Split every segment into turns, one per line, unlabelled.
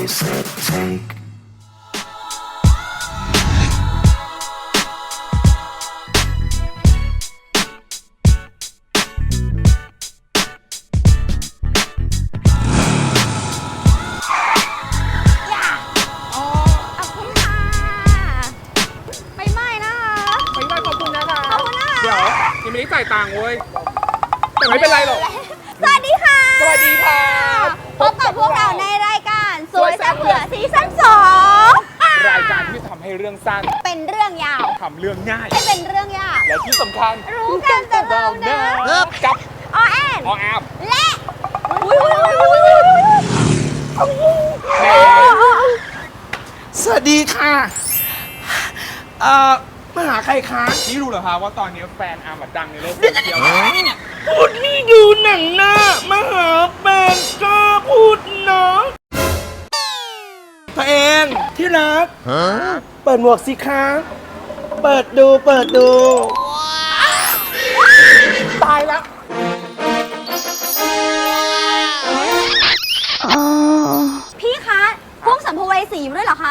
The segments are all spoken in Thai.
place they take.
ยังไม่ได้จ่ายตังค์เว้ยแต่ไม่เป็นไรหรอก
สวัสดีค่ะ
สวัสดีค่ะ
พบกับพวกเราในรายการสวยแซ่บเผื่อซีซั่น2
รายการที่ทำให้เรื่องสั้น
เป็นเรื่องยาว
ทำเรื่องง่าย
ให้เป็นเรื่องยาก
และที่สำคัญ
รู้กันแต่เราเนอะ
กับ
ออแอน
ออแอม
และ
สวัสดีค่ะมาหาใครคะ
นี่รู้เหรอคะว่าตอนนี้แฟนอาร์มดังในโลกโซเชียล
พูดนี่ดูหนังหน้ามาหาแฟนก็พูดเนาะตัวเองที่รักเปิดหมวกสิคะเปิดดูตายแล้ว
พี่คะพวกสัมภเวสีอยู่ด้วยเหรอคะ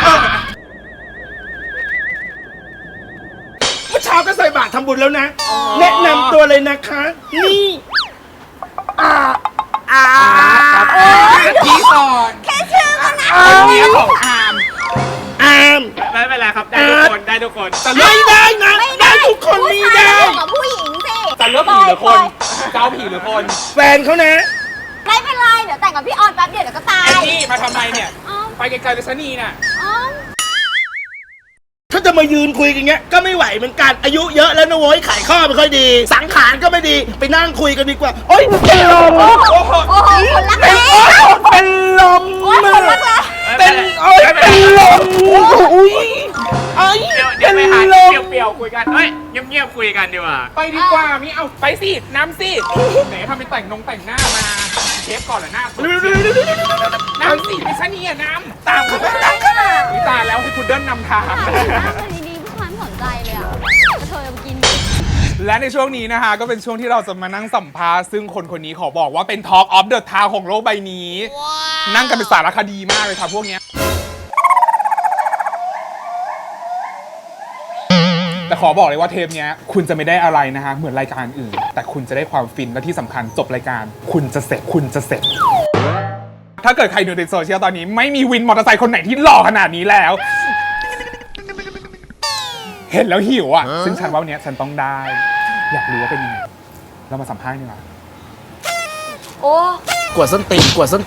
เมื่อเช้าก็ใส่บาตรทำบุญแล้วนะ แนะนำตัวเลยนะคะ นี่
ครับพี่ก่อน
แค่ชื่อก็นะ
คนนี้ของอาร์ม
อาม
ไม่เป็นไรครับได้ทุกคนได้ทุกคนจะเลื
ไม่
อก
ได้นะได้ทุกคนไม่
ผู้ชา
ได้
ยกับผู้หญิงสิ
จะเลือกผีหรือคนจะเอาผีหรือคน
แฟนเขานะ
ไม่เป็นไรเดี๋ยวแต่งกับพี่ออนแป๊บเดียวเดี๋ยวก็ตาย
ไอ้นี่มาทำไมเนี่ย
อ๋อ
ไปไกลๆเลยชะนีน่ะ
อ๋อ
ถ้าจะมายืนคุยกันเงี้ยก็ไม่ไหวเหมือนกันอายุเยอะแล้วนะโว้ยไขข้อไม่ค่อยดี สังขารก็ไม่ดีไปนั่งคุยกันดีกว่าโอ๊ยเป็นลม
โอ้โหคนรักแร้
เป็นลม
โอ้ยคนรักแร้
เป็นเป็นลมอุ้ยไอ้
เดี๋ยวไปหา
ลม
เปรี้ยวๆคุยกันเฮ้ยเงียบๆคุยกันดีกว่าไปดีกว่ามีเอาไปสิน้ำสิไหนทำเป็นแต่งหน้ามาเชฟก่อนเหรอหน้าสดน้ำสิไม่ใช่นี่อะน้ำตามเขาวิตาแล้วให้พุดเดิ้ลนำทาง
หน้ามันดีๆผู้ชายไม่สนใจเลยอ่ะกระเทยเอาไปกิน
และในช่วงนี้นะคะก็เป็นช่วงที่เราจะมานั่งสัมภาษณ์ซึ่งคนนี้ขอบอกว่าเป็น Talk of the Town ของโลกใบนี้ นั่งกันเป็นสารคดีมากเลยค่ะพวกเนี้ยแต่ขอบอกเลยว่าเทปเนี้ยคุณจะไม่ได้อะไรนะคะเหมือนรายการอื่น แต่คุณจะได้ความฟินและที่สำคัญจบรายการ คุณจะเสร็จ ถ้าเกิดใครดูในโซเชียลตอนนี้ไม่มีวินมอเตอร์ไซค์คนไหนที่หล่อขนาดนี้แล้ว เห็นแล้วหิวอ่ะ ซึ่งฉันว่าวันนี้ฉันต้องได้ อยากรู้ว่าเป็นยังไง เรามาสัมภาษณ์ดีกว่า
โอ้
กวดส้นตีน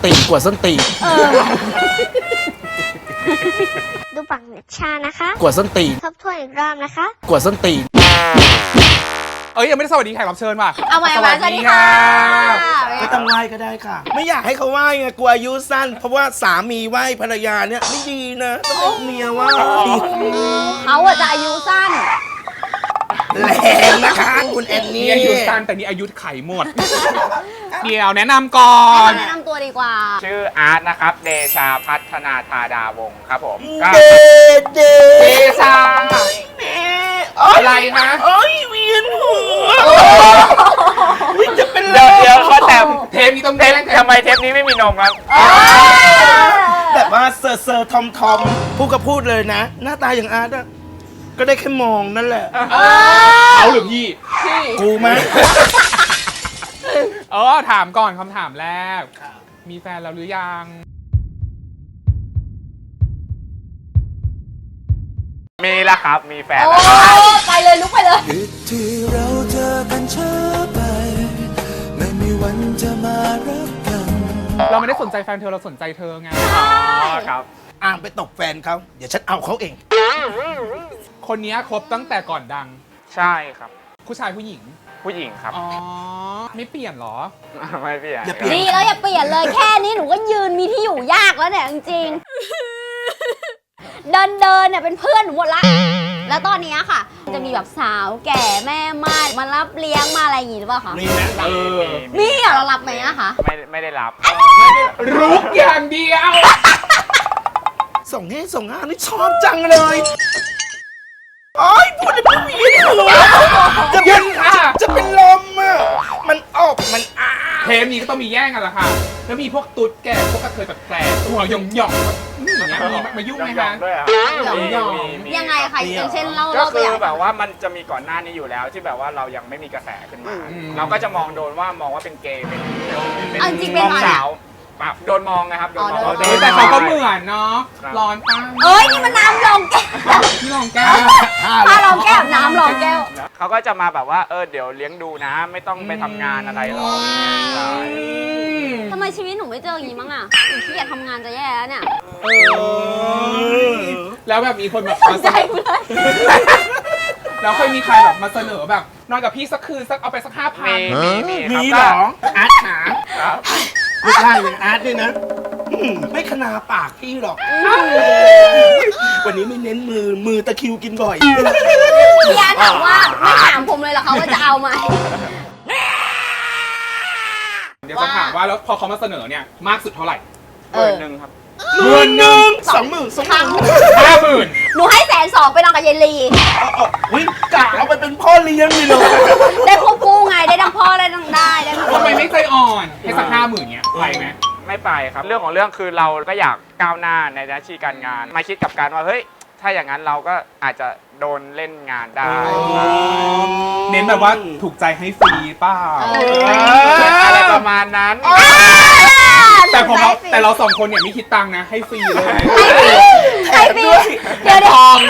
ดูปักเน็ตชานะคะ
กวดส้นตีน
ทบทวนอีกรอบนะคะ
กวดส้นตีน
เอ้ยยังไม่ได้สวัสดีแขกรับเชิญว่ะ
เอาใหม่สวัสดีค่ะ
ไม่ต้องไหว้ก็ได้ค่ะ ไม่อยากให้เขาไหว้ไงกลัวอายุสั้น เพราะว่าสามีไหว้ภรรยาเนี่ยไม่ดีนะต้องให้เมียไหว้
เขาอะจะอายุสั้น
แรงนะคะคุณแอน
นี่
นี่
อายุสั้นแต่นี่อายุไขหมด เดี๋ยวแนะนำก่อน
แนะนำตัวดีกว่า
ชื่ออาร์ตนะครับ เดชาพัฒนาธาดาวงศ์ครับผมก็
เด
เดชา อะไรนะ
โอ้ยเวียนหัววิจะเป็นล
เดี๋ยว
ม
ก็แต่
เทปนี้ต้อง
เทปทำไมเทปนี้ไม่มีนมครับ
แบบว่าเซอร์ทอมพูดก็พูดเลยนะ หน้าตาอย่างอาร์ตอะก็ได้แค่มองนั่นแหละ
เอาหรือพี่
กูไหม
ถามก่อนคำถามแรก มีแฟนแล้วหรือยัง
มีแล้วครับ มีแฟน
โอ้
แล้วครับ
ไปเลยลุกไปเลย
ที่เราเจอกันช้าไป ไม่มีวันจะมารักกัน
เราไม่ได้สนใจแฟนเธอเราสนใจเธอไง
อ๋อครับ
อ่างไปตกแฟนเขาเดี๋ยวฉันเอาเขาเอง
คนนี้คบตั้งแต่ก่อนดัง
ใช่ครับ
ผู้ชายผู้หญิง
ผู้หญิงครับ
อ๋อ ไม่เปลี่ยนเหรอ
ไม่เปลี่ยน
อย่าเปลี่ยน
ดีแล้วอย่าเปลี่ยนเลยแค่นี้หนูก็ยืนมีที่อยู่ยากแล้วเนี่ยจริงๆ เดินเนี่ยเป็นเพื่อนหนูหมดละ แล้วตอนนี้ค่ะ จะมีแบบสาวแก่แม่ไม้มารับเลี้ยงมาอะไรอย่างงี้หรือเปล่าคะ
นี่นะ
เออ
มีเหรอเรารับไหมอะคะ
ไม่ได้รับ
รุกอย่างเดียว
ส่งให้ส่งงานนี่ชอบจังเลยโอ้ยพูดได้ไม่มีหัวจะ
ยืนค่ะ
จะเป็นลมอ่ะมันออกมันอ้า
เททปนี้ก็ต้องมีแย่งกันละค่ะ แล้วมีพวกตุ๊ดแก่พวกกระเทยแบบแปลกหัวหย่องๆนี่อย่างเงี้ยมีมายุ่งไหม
ยอ
คะ
งๆด้วยอ่ะ
หยอง
ยังไงคะอย่างเช่นเล่า
ก็
ตั
คื
วอ
อย่าง แบบว่ามันจะมีก่อนหน้านี้อยู่แล้วที่แบบว่าเรายังไม่มีกระแสขึ้นมา เราก็จะมองโดนว่ามองว่าเป็นเกย์เป็น
เอาจริงเป็น
มอง
อะไร
สาวแบบโดนมองนะครับโดนมอง
อ๋อโดน
แต่เขาก็เหมือนเนาะร้อนป้า
เอ้ยนี่มันน้ำรองแก้ว
พี่ลองแก้ว
ถ้ารองแก้วน้ำรองแก้ว
เขาก็จะมาแบบว่าเดี๋ยวเลี้ยงดูนะ ไม่ต้องไปทำงานอะไรหรอกใช่
ทำไมชีวิตหนูไม่เจออย่างนี้มั้งอ่ะหนูขี้เกียจทำงานจะแย่แล้วเนี่ย
แล้วแบบมีคนแบบ
สนใจกูเลย
แล้วเคยมีใครแบบมาเสนอแบบนอนกับพี่สักคืนสักเอาไปสัก5,000
มีเหรอ
อาร์ตหา
ครับ
ไม่ใช่เลยอาร์ตด้วยนะไม่ขนาปากพี่หรอก วันนี้ไม่เน้นมือตะคริวกินบ่อย
พี่อาร์ตถามว่าไม่ถามผมเลยเหรอคะว่าจะเอาไหม
เดี๋ยวจะถามว่าแล้วพอเขามาเสนอเนี่ยมากสุดเท่าไหร่
1,000ครับ
20,000
50,000
หนูให้120,000ไปนอนกับยายลี
วิ่งกะเอาไปเป็นพ่อเลี้ยงเลยเหรอ
ได้ควบคู่ไงได้ทั้งพ่อได้ทั้งได้ทั้ง
ทำไมไม่ใจอ่อนให้สัก50,000เนี่ยไปไหม
ไม่ไปครับ เรื่องของเรื่องคือเราก็อยากก้าวหน้าในหน้าที่การงาน มาคิดกับการว่าเฮ้ยถ้าอย่างนั้นเราก็อาจจะโดนเล่นงานได้
เน้นแบบว่าถูกใจให้ฟรีเปล่า
อะไรประมาณนั้น
แต่เราสองคนเนี่ยไม่คิดตังค์นะให้ฟรีเลย
ให้ฟรีเดี๋ยวทอง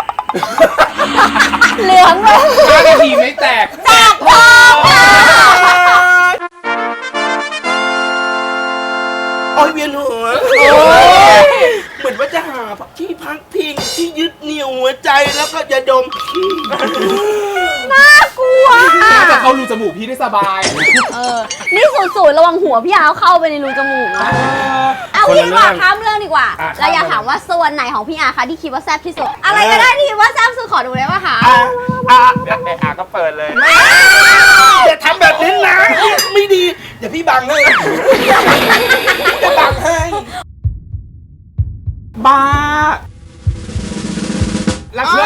เหลืองเลย
5 นาทีไม่แตก
แจกทองค่ะ
โอ้ยเวียนหัวเหมือนว่าจะหาที่พักพิงที่ยึดเหนี่ยวหัวใจแล้วก็จะดม
น่ากลัว
น่าจะเข้ารูจมูกพี่ได้สบาย
นี่สูดระวังหัวพี่อาเข้าไปในรูจมูกนะเอางี้ดีกว่าข้ามเรื่องดีกว่าเราอยากถามว่าส่วนไหนของพี่อาคะที่คิดว่าแซ่บที่สุด อะไรก็ได้ที่คิดว่าแซ่บสุดขอดูได้ป่ะคะ
เดี๋ยวก็เปิดเลย
อย่าทำแบบนี้นะ ไม่ดี เดี๋ยวพี่บังให้จะบังให้
บ้ารักเพื่อน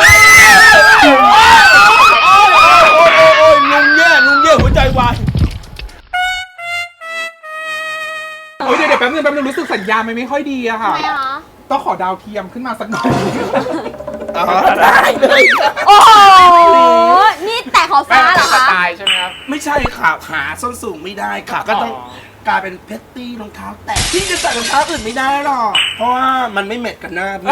ลุงแย่หัวใจวาย
โอ้ยเดี๋ยวแป๊บนึงรู้สึกสัญญาณมันไม่ค่อยดีอะค่ะ
ทำไมคะ
ต้องขอดาวเทียมขึ้นมาสักหน่อย
ได้เลย
โอ้โห นี่แต่ขอ
แม่
ฟ้าเหร
เป็
อน
ส
คะ
ไตล์ใช่ไหมครับ
ไม่ใช่ค่ะหาส้นสูงไม่ได้ค่ะ ก็ต้องกลายเป็นเพชรตี้รองเท้าแตะพี่จะใส่รองเท้าอื่นไม่ได้หรอก เพราะว่ามันไม่แมทกันหน้าพี่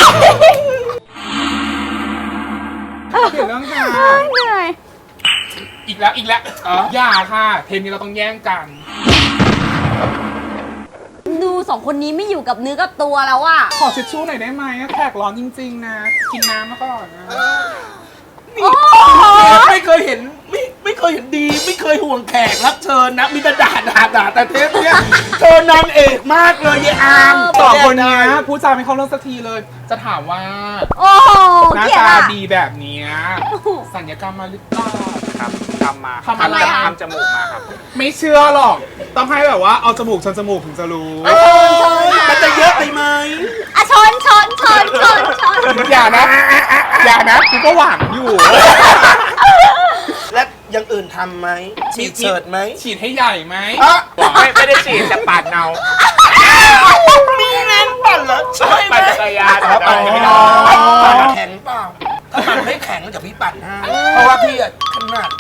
เปลี่ยนเรื่องค่ะ
เหนื่อย
อีกแล้วอย่าค่ะ เทปนี้เราต้องแย่งกัน
ดูสองคนนี้ไม่อยู่กับเนื้อกับตัวแล้วอะ
ขอเช็ดชู้หน่อยได้ไหมแขกร้อนจริงๆนะ กินน้ำมาก่อนนะ
โอ้โห
ไม่เคยเห็นไม่เคยเห็นดี ไม่เคยห่วงแขกรับเชิญนะ มีแต่ด่าแต่เทปเนี้ยเธอนางเอกมากเลยยายอาม
สองคนเนี้ยพูดจาไม่เข้าเรื่องสักทีเลย จะถามว่า
โอ้โห
หน้า
เกลียด
ตา
อะ
ดีแบบเนี้ยสัญญกรรมมาหรือเปล่า
ครับทำมา
ทำอะไรอะ
ทำจมูกมาครับ
ไม่เชื่อหรอก ต้องให้แบบว่าเอาจมูกชนจมูกถึงจะรู้
มันจะเยอะไปไหม
อะชน
อย่านะกูก็หวังอยู่
และอยังอื่นทำไหมฉีดเฉิดไหม
ฉีดให้ใหญ่ไหม
ไม่ได้ฉีดจะปาดเนา
มีเน้นปั่นเหรอใช่ไหม
ปั่นจักรยาน
ปั่น
ไม่
ไม่
ได้
ได้ปั่นแข็งเปล่าถ้าปั่นไม่แข็งเดี๋ยวพี่ปั่นให้เพราะว่าพี่อะขนาด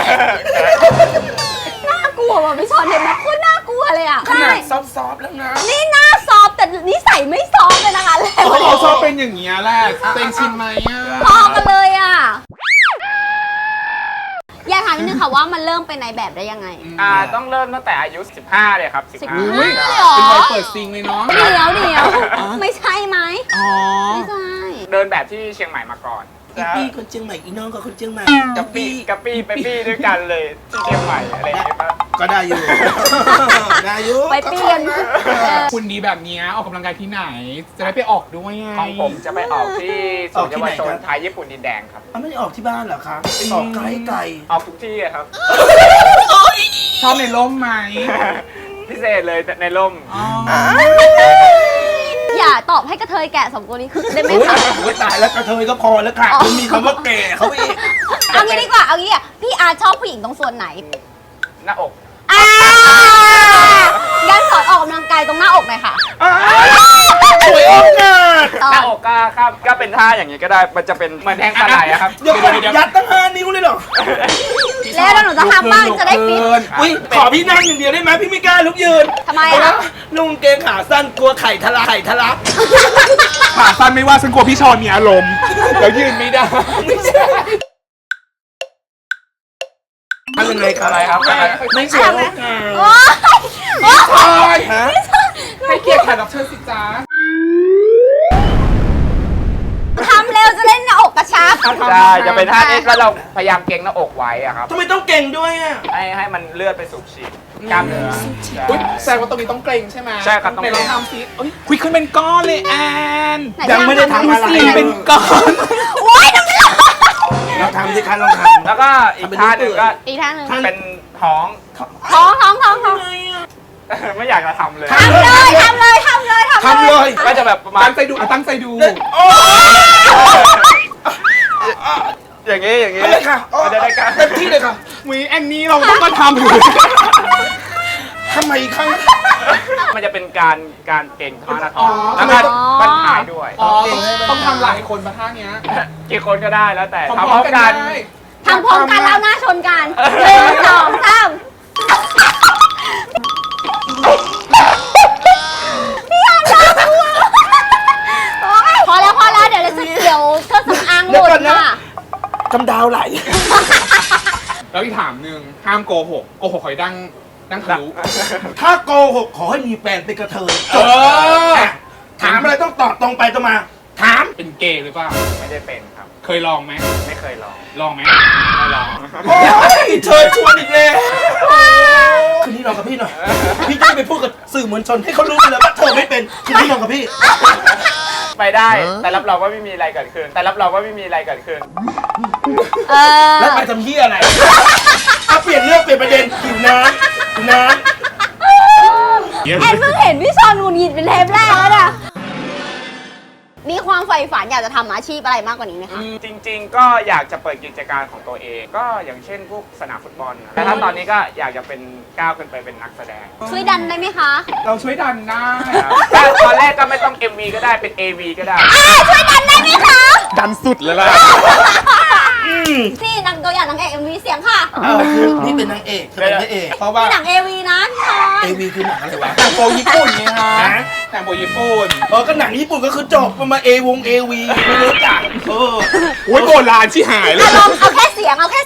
น่ากลัวว่ะพี่ชอนเห็นไหมโคตรน่ากลัวเลยอะ
ขนาด
ใช่
ซอฟๆแล้วนะ
นี่หน้าซอฟต์แต่นิสัยไม่ซอฟต์เลยนะคะเลย
เขาชอบเป็นอย่างเงี้ยแหละเต็งชินไหมอ่ะ
พอกันเลยอะอยากถามนิดนึงค่ะว่ามันเริ่มเป็นในแบบได้ยังไง
ต้องเริ่มตั้งแต่อายุ 15 เลยครับ
15
อุ้ย
เลยเหรอ
เป็นวัยเปิดซิงเลยเนาะ
เดี๋ยวไม่ใช่ไหม
อ๋อ
ไม่ใช่
เดินแบบที่เชียงใหม่มาก่อน
อีปี้คนเชียงใหม่อีน้องกับคนเชียงใหม่
กับปี้ไปปี้ด้วยกันเลยที่เชียงใหม่อะไรอย่างเงี้ยป่ะ
ก็ได้อยู่ ได้อยู่
ไปเปลี่ยน
คุณดีแบบเนี้ยออกกำลังกายที่ไหน จะได้ไปออกด้วยไง
ของผมจะไปออกที่ศูนย์เยาวชนไทยญี่ปุ่นดินแดงครับ
ไม่ได้ออกที่บ้านเหรอคะไปออกไกล
ออกทุกที่อะครับ
ชอบในร่มไหม
พิเศษเลยในร่ม
อ๋อ
อย่าตอบให้กระเทยแกะสองตัวนี้คือได้ไหม
โอ้ย
คะ
โอ้ยตายแล้วกระเทยก็พอแล้วค่ะมันมีคำว่าแก่เขาอีก
เอางี้ดีกว่า เอางี้อ่ะพี่อาร์ชอบผู้หญิงตรงส่วนไหน
หน้าอก
อ้าว
เป็นท่าอย่างนี้ก็ได้ มันจะเป็นเหมือนแทงปลาไหลอะครับ
เดี๋ยวก่อนยัดตั้ง5 นิ้วเลยเหรอ
แล้วหนูจะทำบ้างจะได้ฟิต
อุ้ยขอพี่นั่งอย่างเดียวได้ไหมพี่ไม่กล้าลุกยืน
ทำไม
เพราะ
อ่ะ
ว่านุ่งเกงขาสั้นกลัวไข่ทะลัก
ขาสั้นไม่ว่าฉันกลัวพี่ชอนมีอารมณ์แล้วยืนไม่ได้
ไม่ใช่ทำยังไงครับ
อะไรครับ
ไม่สวย
โอ๊ยโอ๊ย
ฮะ
ให้เกียรติแขกรับเชิญสิจ้า
ทำเร็วจะเล่นหน้าอกกระชับ
ใช่จะเป็นท่านี้ก็เราพยายามเกร็งหน้าอกไว้อะครับ
ทำไมต้องเก่งด้วยอ่ะ
ให้มันเลือดไปสูบฉีดกล้ามเนื้อ
อุ๊ยแสดงว่าตรงนี้ต้องเกรงใช่ไหม
ใช่ครับต้อง
ไหน
เก
ล
ร็
อง งทำซิเอ้ยคุยขึ้นเป็นก้อนเลยแอน
ไหน
ยังไม่ได้ทำอะไร
สิ
เป็นก้อน
โอ๊ยทำไม่ได้
เราทำสิคะลองทำ
แล้วก็อีกท่าหนึ่งก็
อีกท่าหนึ่ง
เป็นท้อง
ท้องท้องท้องท้อง
ไม่อยากจะทำเลย
ทำเลยทำเลยทำเลย
ทำเลย
ก็จะแบบประมาณ
ตั้งใจดูตั้งใจดู
โอ้
อย่างนี้อย่างนี้
อะไรค่ะ
มันจะได้กล้าม
เต็มที่เลยค่ะ
วีแอนนี้เราต้องมาทำอยู่
ทำไมอีกครั้ง
มันจะเป็นการเก่งท่าหน้าท้อง
อ๋อ
แล้วก็มันหายด้วย
อ๋อต้องทำหลายคนมาท่าเนี้ย
กี่คนก็ได้แล้วแต่
พ
ทำพ
ร้
ร้
อ
อ
ม
ม
ๆกั
กัน น
ได้
ทำพร้อมกันแล้วหน้าชนกัน1 2 3พี่ยอนน่ากลัวโอ๊ยพอแล้วเดี๋ยวเครื่องสำอางหลุดค่ะ
กำดาวไหล
แล้วอีกถามหนึ่งห้ามโกหกคอยดังทะลุ
ถ้าโกหกขอให้มีแฟนเป็นกระเทย
เออ
ถามอะไรต้องตอบตรงไปตรงมา ถาม
เป็นเกย์หรือเปล่า
ไม่ได้เป็นครับ
เคยลองไหม
ไม่เคยลอง
ลองไหมไม่ลอง
โอ้ยเชิญชวนอีกแล้วคืนนี้ลองกับพี่หน่อย พี่จะไปพูดกับสื่อมวลชนให้เขารู้ไปเลยว่าเธอไม่เป็นคืนนี้ลองกับพี่
ไปได้ แต่รับรองว่าไม่มีอะไรเกิดขึ้น แต่รับรองว่าไม่มีอะไรเกิดขึ้น
แล้วไปทำเหี้ยอะไรเอาเปลี่ยนเรื่องเปลี่ยนประเด็นหิวน้ำหิวน้
แอนเพิ่งเห็นพี่ชอนหงุดหงิดเป็นเทปแรกแล้วนะมีความใฝ่ฝันอยากจะทำอาชีพอะไรมากกว่านี้ไหมคะ
จริงๆ ก็อยากจะเปิดกิจการของตัวเอง ก็อย่างเช่นพวกสนามฟุตบอลนะแต่ถ้าตอนนี้ก็อยากจะเป็นก้าวขึ้นไปเป็นนักแสดง
ช่วยดันได้ไหมคะ
เราช่วยดันได้
ก็ตอนแรกก็ไม่ต้อง MV ก็ได้เป็น AV ก็ได้
ช่วยดันได้ไหมคะ
ดันสุดเลยล่ะ
นี่นางตัวอย่างนางเอก MV เสียงค่ะ
ำคือพี่เป็นนางเอกเธอเป็นพระเอก เพราะว่า
นี่หนัง AV นะพี่ชอน
AV คือหนังอะไรวะ
หนังโปญี่ปุ่นไงฮะ
ฮะ
หนังโปญี่ปุ่น
ก็หนังญี่ปุ่นก็คือจบมาเอวงเอวีไม่รู้จักเออ
โอ้ยโบราณที่หายเลย
ลองเอาแค่เสียงเหมือน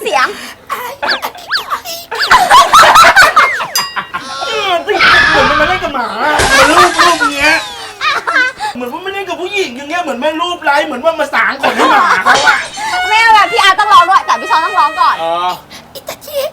มันมาเล่นกับหมามันรูปเงี้ย เหมือนว่าไม่เล่นกับผู้หญิงอย่างเงี้ย เหมือนแม่รูปไร้เหมือนว่ามาสางคนให้หมาเขาอะ
ไม่เอาแบบพี่อาร์ต้องร้องด้วยแต่พี่ชอนต้องร้องก่อน
อีก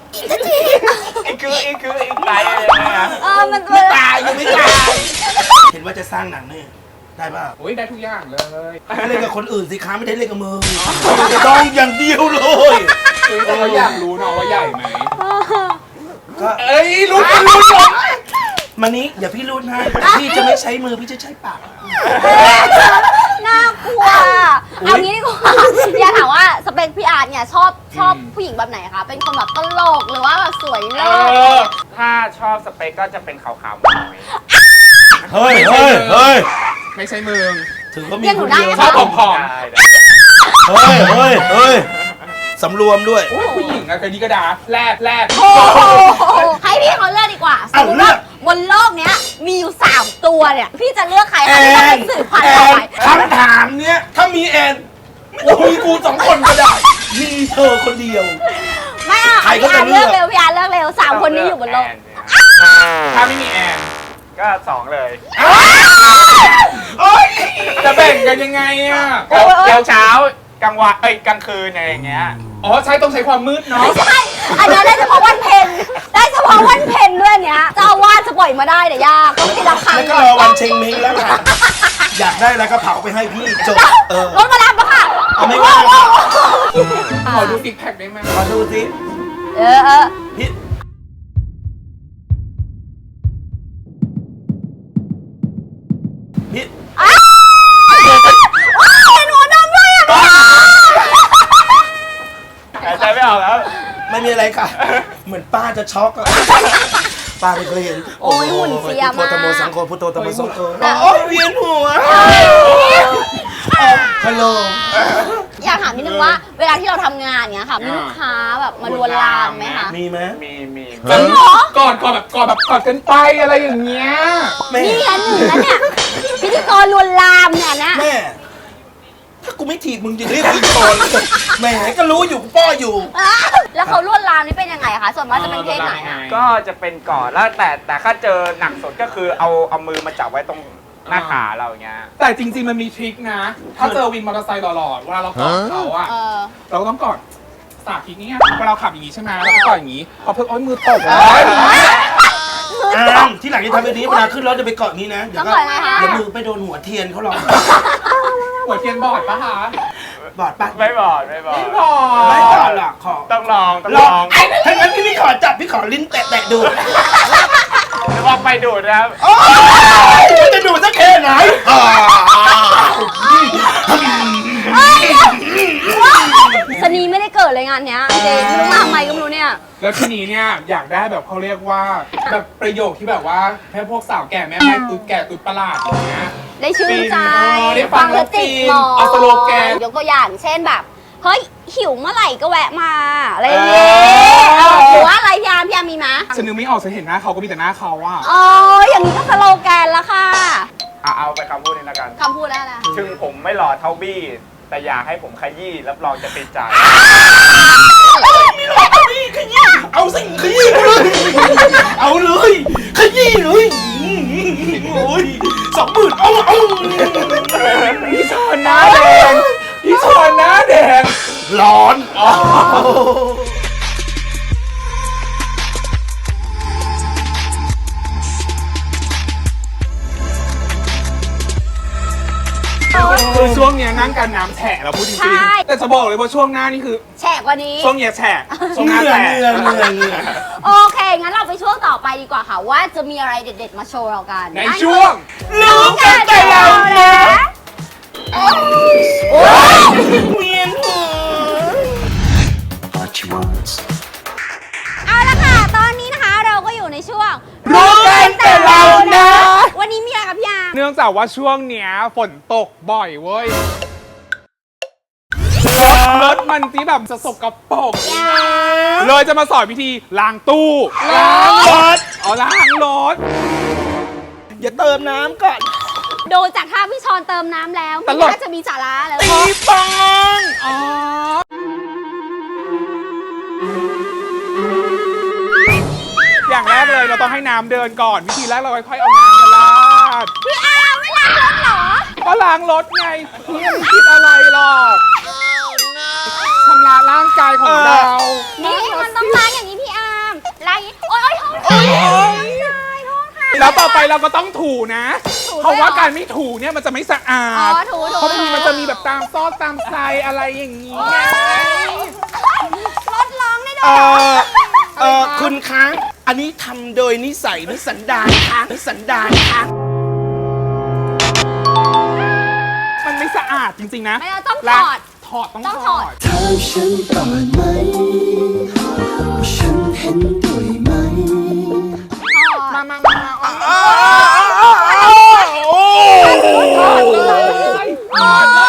ไตอะไรอย่างเงี้ย
มัน
ไม่ตายยังไม่ตาย เห็นว่าจะสร้างหนังเนี่ยได้ป่ะ
โอ้ยได้ทุกอย่างเลย
เล่นกับคนอื่นสิคะไม่ได้เล่นกับมึงต้องอย่างเดียวเลย
เราอยากรู้เนาะว่าใหญ่ไหม
ก็
เอ้ยรู้
มานี้เดี๋ยวพี่รูดให้แต่พี่จะไม่ใช้มือพี่จะใช้ปาก
น่ากลัวเอางี้ดีกว่าอยากถามว่าสเปคพี่อาร์เนี่ยชอบผู้หญิงแบบไหนคะเป็นคนแบบตลกหรือว่าแบบสวยเลิศ
ถ้าชอบสเปคก็จะเป็นขาวๆหน่อย
เฮ้ย
ไม่ใช่มึง
ถือว่ามีคนเดียว
ชอบผอม
ได้
เฮ้ยสำรวมด้วย
โอ้ยผู้หญิงอะกระดีกระดาแรด
โอ้โหให้พี่เขาเลือกดีกว่าสมมติว่าบนโลกเนี้ยมีอยู่3ตัวเนี่ยพี่จะเลือกใครคะที่จะเป็นสื่อพันธุ์ต่อไป
คำถามเนี้ยถ้ามีแอนมีกู2 คนก็ได้ มีเธอคนเดียว
ไม่เอา
ใครก็
พี่อา
จะ
ร์
เลื
เลื
อ
อก กเร็วพี่อาร์เลือกเร็ว3 คนนี้อยู่บนโลก
ถ้าไม่มีแอน
ก็2เลย
โอ๊ย
จะแบ่งกันยังไงอะ
เช้าเช้ากลางวันกลางคืนอะไรอย่างเงี้ย
อ๋อใช่ต้องใช้ความมืดเนาะ
ไม่ใช่ อันนั้นได้เฉพาะวันเพ็ญได้เฉพาะวันเพ็ญด้วยเนี้ยเจ้าอาวาสจะปล่อยมาได้แต่ยากต้องทีละครั้ง
แล้วก็
ก่อน
รอวันเชงเม้งแล้วค่ะ อยากได้แล้วก็เผาไปให้พี่จบ
รถมารับมาค่ะ
เอาไม่ว่า
ขอดูซิกแพคได้ไหม
ขอดูสิ
เออ
พี่พี่
เห็นหัวดำด้วยอ่ะ
หายใจไม่ออกแล้ว
ไม่มีอะไรค่ะ เหมือนป้าจะช็อกอะป้าไม่เคยเห็น
โอ้ยหุ่นเสีย
พุท
มา
โธธรรมโมสังโฆพุทโธธรรมโมสังโฆ
โอ้
โอ้ยเวียนหัวฮัลโหล
อยากถามนิดนึงว่า เวลาที่เราทำงานเนี้ยค่ะมีลูกค้าแบบมาลวนลามไหมคะ
มีไหม
มี
จริงเหรอ
ก่อนแบบกอดกันไปอะไรอย่างเงี้ย
แม่
นี่อันหนึ่งแล้วเนี่ยพิธีกรลวนลามเนี่ยนะ
แม่ ถ้ากูไม่ถีบมึงจะเรียกกูโกนแหม่ก็รู้อยู่กูป้ออยู่
แล้วเขาลวนลามนี่เป็นยังไงคะส่วนมากจะเป็นเพศไหนอะ
ก็จะเป็นก่อนแล้วแต่ถ้าเจอหนักสุดก็คือเอามือมาจับไว้ตรงหน้าขาเราอย่างเงี้ย
แต่จริงๆมันมีทริคนะ ถ้าเจอวินมอเตอร์ไซค์หล่อๆเวลาเรากอดเขาอะ
เออ
เราก็ต้องกอดสาธิตนี้เวลาเราขับอย่างงี้ใช่ไหมเราก็กอดอย่างงี้พอเพิ่งมือตกเลย
ที่หลังจะทำแบบนี้เวลาขึ้นรถจะไปเกาะนี้นะ เดี๋ยวก็
ต้องเกาะไงคะ
เดี๋ยวมือไปโดนหัวเทียนเขาหรอก
หัวเทียนบอดปะคะ
บอดปะ
ไม่บอก
ไม่บอ
ไม่
ด
บอดหรอกขอ
ต้องลอง
ลองถ้างั้นพี่ขอจับพี่ขอลิ้นแตะดู
ลองไปดูดนะครับ
โอ้ยมันจะดูสักแค่ไหน
สนีไม่ได้เกิดเลยงานเนี้ยจริงไม่รู้มาทำไมก็ไม่รู้เนี่ย
แล้วทีนี้เนี่ยอยากได้แบบเขาเรียกว่าแบบประโยคที่แบบว่าให้พวกสาวแก่แม่ไม้ตุ๊ดแก่ตุ๊ดประหลาดอย่างเงี้ย
ได้ชื่นใจ
ได้ฟังแล้วฟิน
หมอ
เอาสโลแกน
ยกตัวอย่างเช่นแบบ เฮ้ย หิวเมื่อไหร่ก็แวะมา อะไรอย่างเงี้ยหรือว่าอะไรพี่อาร์มมีไหม
ฉันนึกไม่ออกฉันเห็นหน้าเขาก็มีแต่หน้าเขาอะ
อ๋อ อย่างนี้ก็สโลแกนแล้วค่ะ
เอาไปคำพูดนี้แล้วกัน
คำพูดแล้วนะ
ถึงผมไม่หล่อเท่าบี้ แต่อยากให้ผมขยี้รับรองจะติดใจ
เอาสิขยี้กูเลย เอาเลยขยี้เลยโอ้ย20,000เอา
พี่ชอนหน้าแดงพี่ชอนหน้าแดง
ร้อน
คือช่วงเนี้ยนั่งกันน้ำแฉะเราพูดจริงๆแต่จะบอกเลยว่าช่วงหน้านี่คือ
แฉกกว่านี้
ช่วงเนี้ยแฉะช่วงห
เห
น้า
งื่อ
แฉะ
เหงื่อ
โอเค งั้นเราไปช่วงต่อไปดีกว่าค่ะ ว่าจะมีอะไรเด็ดๆมาโชว์เรากัน
ในช่วง
รู้กันแต่เรานะโอ้ย
เวียนหัว
เอาละค่ะ ตอนนี้นะคะเราก็อยู่ในช่วง
รู้กันแต่เรานะ
วันนี้มีอะไรกับพี่อาร์ม
เนื่องจากว่าช่วงเนี้ยฝนตกบ่อยเว้ยรถมันที่แบบจะสกปรกเลยจะมาสอนวิธีล้างตู้ล้างรถล้างรถ
อย่าเติมน้ำก่อน
ดูจากท่าพี่ชอนเติมน้ำแล้ว
ต
ไม่
ลก
น่าจะมีสาระแล้ว
ตีปองอ๋ออย่างแรกเลยเราต้องให้น้ำเดินก่อน วิธีแรกเราค่อยๆเอาน้ำมาราด
พี่อาร์มไม่ล้างรถเหรอ
ก็ล้างรถไงพี่ไม่คิดอะไรหรอกชำระร่างกายของเรา
นี่มันต้องล้างอย่างนี้พี่อาร์มล้างอย่างนี้โอ๊ยโทษค่ะโทษค่ะ
แล้วต่อไปเราก็ต้องถูนะ
ถูด้วยเหรอ
เพราะว่าการไม่ถูเนี่ยมันจะไม่สะอาด
อ๋อถูๆ
เพราะบางทีมันจะมีแบบตามซอกตามไซอะไรอย่างนี้ไง
รถร้องได้ด้ว
เอย
เหรอ
คุณคะอันนี้ทำโดยนิสัยหรือสันดานคะหรือสันดานคะ
มันไม่สะอาดจริงๆนะ
ไม่เราต้องถ
ล้าง
อด
ถอดต้อง
ต้อง
ถ
ถ
อ
อ
ด
ด
ถามฉันก่อนไหมว่าฉันเห็นด้วยไหม
มา
โอ้
ถอดเลยถอดเลย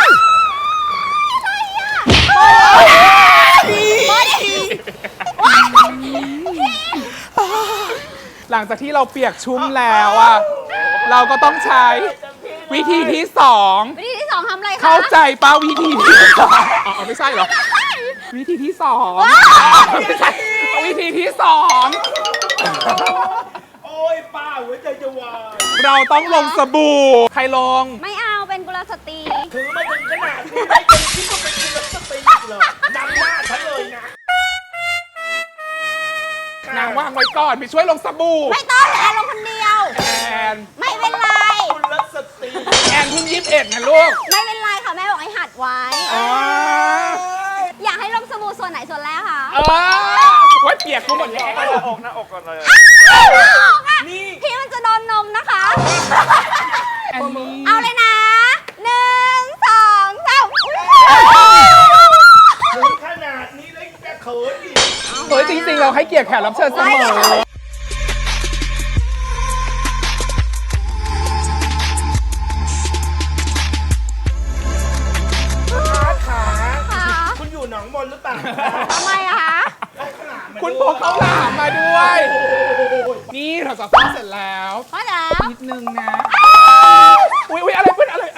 หลังจากที่เราเปียกชุ่มแล้วอ่ะ เราก็ต้องใช้วิธีที่สอง
วิธีที่สองทำอะไรคะ
เข้าใจป้าวิธีที่สองอ๋อไม่ใช่เหรอ วิธีที่สองไม่ใช่วิธีที่สอง
โอ้ยป้าหัวใจจะวาย
เราต้องลงสบู่ ใครลง
ไม่เอาเป็นกุลสตรี
ถือมาถึงขนาดนี้ไม่จนคิดว่าเป็นคุณสตรีเหรอนำหน้าฉันเลยนะ
นางวางไว้ก่อนไปช่วยลงสบู่
ไม่ต้องแอนลงคนเดียว
แอน
ไม่เป็นไร
คุณสตรี
แอนเพิ่ง21นะลูก
ไม่เป็นไรค่ะแม่บอกให้หัดไว้
อ๋อ
อยากให้ลงสบู่ส่วนไหนส่วนแรกคะ
ว่าเปียกกูหมดแล้ว
หน้าอกก่อนเลย
นี่
พี่มันจะโดนนมนะคะ
อันนี้
เอาเลยนะ1 2
ถึงขนาดนี้แล้วจะเขินอีก
เฮ้ยจริงๆ เราให้เกียรติแขกรับเชิญเสมอ
3
เราจะฟ้าเสร็จแล้ว
พอแล้ว
นิดนึงนะอุ้ยอะไรเพื่อนอะไร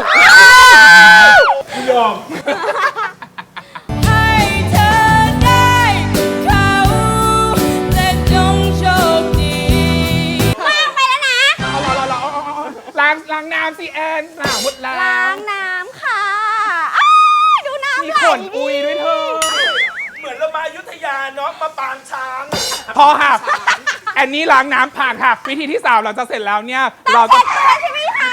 ไม่ยอม
ให้เธอได้เขาและจงโชคดี
ว่างไปแล้วนะ
ล้างน้ำสิแอนหนาวหมดแล้ว
ล้างน้ำค่ะอ้าวดูน้ำ
มี
ไหล
ขนอุยด้วยเธอ
เหมือนเรามาอยุธยาเนาะมาปางช้าง
พอค่ะแอนนี่ล้างน้ำผ่านค่ะ วิธีที่ 3 เราจะเสร็จแล้วเนี่ย เรา
เส
จะ
ร็จตัวใช่ไหมคะ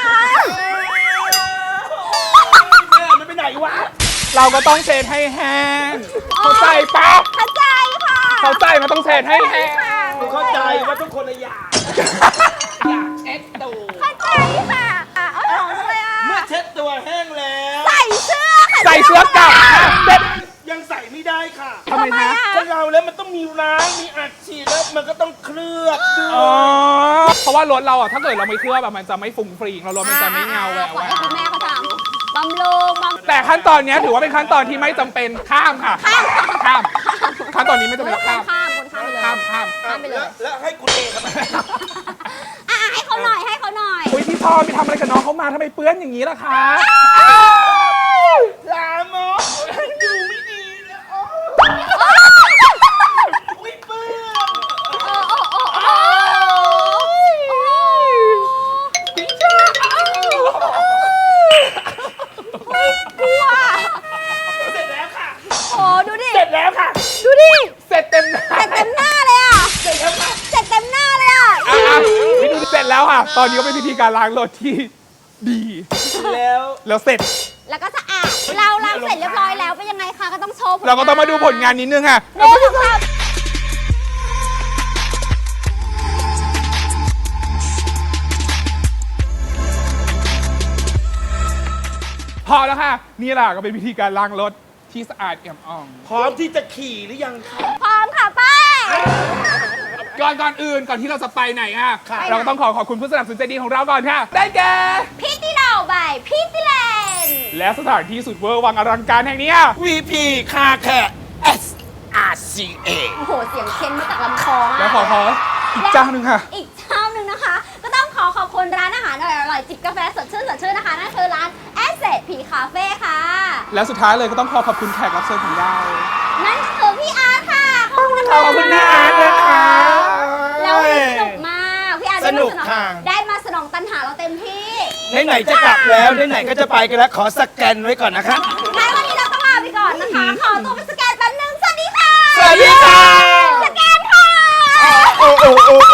แม่มันไปไหนวะ
เราก็ต้องเช็ดให้แห้งเข้าใจปะ
เข้าใจค่ะ
เข้าใจมันต้องเช็ดให้แห้ง
กูเข้าใจว่าทุกคนละอยาก
เช็ดตู
เข้าใจค่ะเอาของเลยอ่ะ
เมื่อเช็ดตัวแห้งแล้ว
ใส่เสื้อค่ะ
ใส่เสื้อกลับค่ะเซ็ต
ยังใส่ไม่ได้ค่ะ
ทำไมคะ
คนเราแล้วมันต้องมีล้างมีอัดฉีดแล้วมันก็ต้องเคลือบด้ว
อ๋อย เพราะว่ารถเราอ่ะถ้าเกิดเราไม่เคลือบอะมันจะไม่ฟุ้งฟริ้งเรารถมันจะไม่เงาแหวว
ปล่อยให้คุณแม่เขาทำบำรุงบำ
แต่ขั้นตอนเนี้ยถือว่าเป็นขั้นตอนที่ไม่จำเป็นข้ามค่ะข้ามขั้นตอนนี้ไม่จำเป็นข้าม
ข้ามคนข้ามไปเลย
ข้าม
ข้ามไปเลย
แล้วให้กูเททำไม
ให้เขาหน่อยให้เขาหน่อย
อุ้ยพี่ทอไปทำอะไรกับน้องเขามาทำไมเปื้อนอย่างนี้ล่ะคะ
ลามกดูไม่ดีแล้วอุ้ยเปื้อน
กลัว
เสร็จแล้วค่ะ
โอ้ดูดิ
เสร็จแล้วค่ะ
ดูดิ
เสร็จเต็มหน้า
เสร็จเต็มหน้าเลยอ่ะ
เสร็จแล้วค่ะ
เสร็จเต็มหน้าเลยอ่ะ
นี่ดูเสร็จแล้วค่ะ ตอนนี้ก็เป็นพิธีการล้างรถที่ดี
แล้ว
แล้วเสร็จ
แล้วก็สะอาดเราล้างเสร็จเรียบร้อยแล้วเป็นยังไงคะก็ต้องโชว์ผล
เราก็ต้องมาดูผลงานนิดนึงค่ะ
เรื่องของเรา
พอแล้วค่ะ นี่แหละก็เป็นพิธีการล้างรถที่สะอาดเอี่ยมอ่อง
พร้อมที่จะขี่หรือยังคะ
พร้อมค่ะป้า
ก่อนอื่นก่อนที่เราจะไปไหนอ่ะ
ค่ะ
เราก็ต้องขอบคุณผู้สนับสนุนใจดีของเราก่อนค่ะ ได้แก่
พี่ติเราใบพี่ติเลน
และสถานที่สุดเวอร์วังอลังการแห่งนี้อ่ะ
VP คาแค SRCA
โอ้โหเสียงเค้นมาจากลำคอมาก
แล้วขออีกเจ้าหนึ่งค่ะ
อีกเจ้าหนึ่งนะคะ ก็ต้องขอบคุณร้านอาหารอร่อยๆจิบกาแฟสดชื่นนะคะนั่นคือร้าน Asset P Cafe ค่ะ
และสุดท้ายเลยก็ต้องขอบคุณแขกรับเชิญของเรา
นั่นคือพี่อาร์ตค่ะ ขอบคุณนะคะ
ขอบคุณนะอาร์ตนะคะ
แล้ววันนี้สนุกมากพี่อาร์ต
สนุกค่ะ
ได้มาสนองตัณหาเราเต็มที่
ไหนๆจะกลับแล้วไหนๆก็จะไปกันแล้ว ขอสแกนไว้ก่อนนะคะ
งั้นวันนี้เราต้องลาไปก่อนนะคะ ขอตัวไปสแกนแป๊บนึงสวัสดีค่ะ
สวัสดีค่ะ
สแกนค่ะ
โอ้